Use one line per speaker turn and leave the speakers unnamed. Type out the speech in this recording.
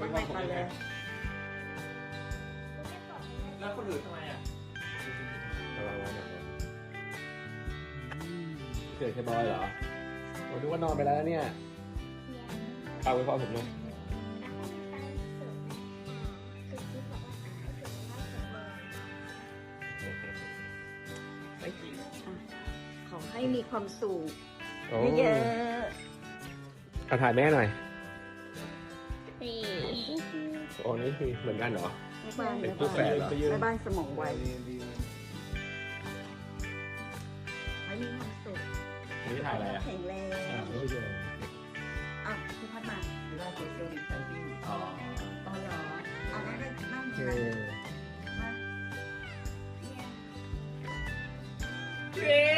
ใหม่ก่อนเลย
แล้วคนอื่นทำไมอ่ะ
ระวังนะเกิดแค่บอยเหรอผมนึกว่านอนไปแล้วเนี่ยเอาไว้พอผมเลย
ไม่จริง
ขอให้มีความสุข
โอ้
เยอะ
เอาถ่ายแม่หน่อย
ๆนี่
โอ้นี่คือเหมือนกันเหรอ
แม่บ้าน
เป็น
แม่
คู่แฝ
บ้าน
ดเหรอ
แม่บ้านสมองไวให้มีความสุข
นี่ถ่ายอะไรอ่ะ
แข็งแรง
ไม่ใช่
อ่ะพี่พัดมาหรือว่าโซเชียลดิสแทนซิ่ง
อ๋อ
ต่อเหรอเอาได้นั่ง
โอเค
นั่งมา
เย้